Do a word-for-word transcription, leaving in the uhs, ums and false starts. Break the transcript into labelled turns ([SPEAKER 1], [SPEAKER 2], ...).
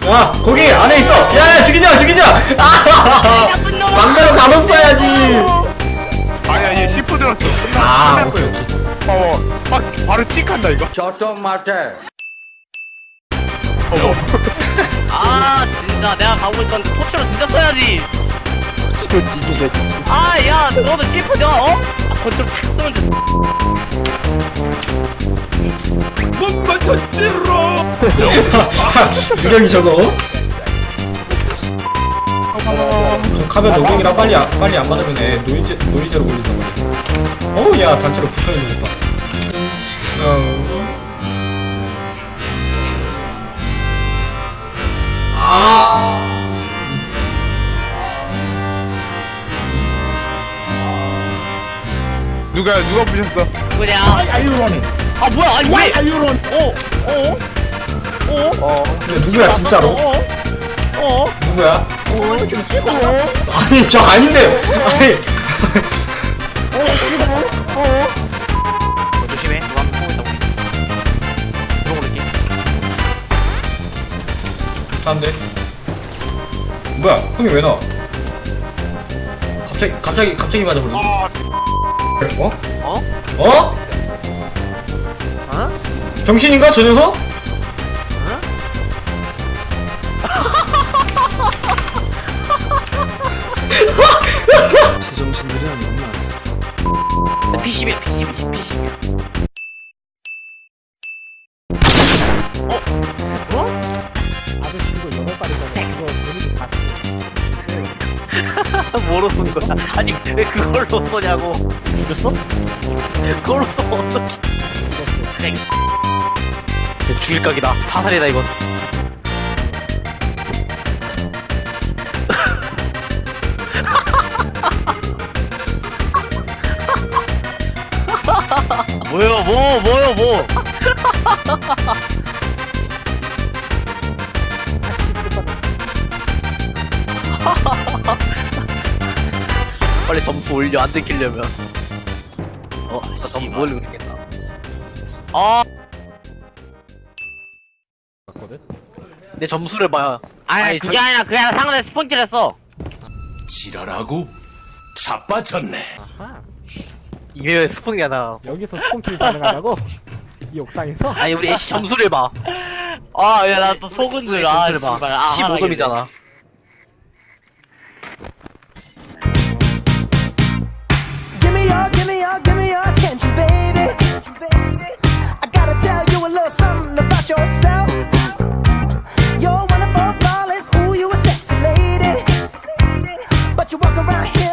[SPEAKER 1] 아 거기 안에 있어. 야야 죽이자 죽이자. 아 망가로 가뒀어야지.
[SPEAKER 2] 아니 아니 시프 들었어.
[SPEAKER 1] 아 오케이 오케이.
[SPEAKER 2] 어, 막 바로 틱한다 이거.
[SPEAKER 3] 저좀 맞아.
[SPEAKER 4] 아 진짜 내가 가고 있었는데 토치로 진짜 써야지.
[SPEAKER 2] 토치로 뒤지네.
[SPEAKER 4] 아야 너도 시프 내가 어? 아, 컨트롤 탁 쓰면 돼.
[SPEAKER 3] 못 맞췄지로.
[SPEAKER 1] 유령이 저거. 저 카면 노경이랑 빨리 안, 빨리 안 받으면 애 노이제 노이제로 걸린단 말이야. 어우 야 단체로 붙어 있는 것 봐. 어. 아.
[SPEAKER 2] 누가 누가 부셨어?
[SPEAKER 4] 그냥
[SPEAKER 3] 아유로니.
[SPEAKER 4] 아 뭐야 아니 왜?
[SPEAKER 3] 아유로니.
[SPEAKER 4] 어? 어? 어?
[SPEAKER 2] 어.
[SPEAKER 1] 근데 누구야 진짜로?
[SPEAKER 4] 어? 어?
[SPEAKER 1] 누구야?
[SPEAKER 4] 어? 좀 치고
[SPEAKER 1] 아니 저 아닌데. 아니.
[SPEAKER 4] 어? 조심해 누가 한번 보고 있다고 그러고 볼게.
[SPEAKER 1] 안돼. 뭐야? 형이 왜 나와? 갑자기 갑자기 갑자기 맞아버리네. 어?
[SPEAKER 4] 어?
[SPEAKER 1] 어?
[SPEAKER 4] 어?
[SPEAKER 1] 정신인가 저 녀석?
[SPEAKER 3] 제정신들이 아니구나.
[SPEAKER 4] 피십이야 피십이 피십이야. 어? 어?
[SPEAKER 5] 아저씨 이거 여덟 발이잖아. 이거 데미지 사십.
[SPEAKER 4] 뭐로 쏜 거야? 아니 왜 그걸로 쏘냐고.
[SPEAKER 5] 죽였어?
[SPEAKER 4] 그걸로 쏘면 어떡해. 그래. 죽일 각이다. 사살이다 이건. 뭐요 뭐 뭐요 뭐. 빨리 점수 올려 안 들키려면. 어, 나 점수 못 올리고 죽겠다. 아, 내 점수를 봐요. 아니, 그게
[SPEAKER 5] 저-
[SPEAKER 4] 아니라 그게 아니라 상대 스폰키를 했어.
[SPEAKER 3] 지랄하고 자빠졌네.
[SPEAKER 4] 이게 스폰이 아니라.
[SPEAKER 5] 여기서 스폰킬이 가능하다고? 이 옥상에서?
[SPEAKER 4] 아니 우리 애쉬 점수를 봐. 아, 야 나 또 속은 줄 아, 점수를 봐. 십오 점이잖아.
[SPEAKER 6] Give me your, give me your, give me your attention, baby. I gotta tell you a little something about yourself. You're wonderful, flawless, ooh, you a sexy lady. But you walk around here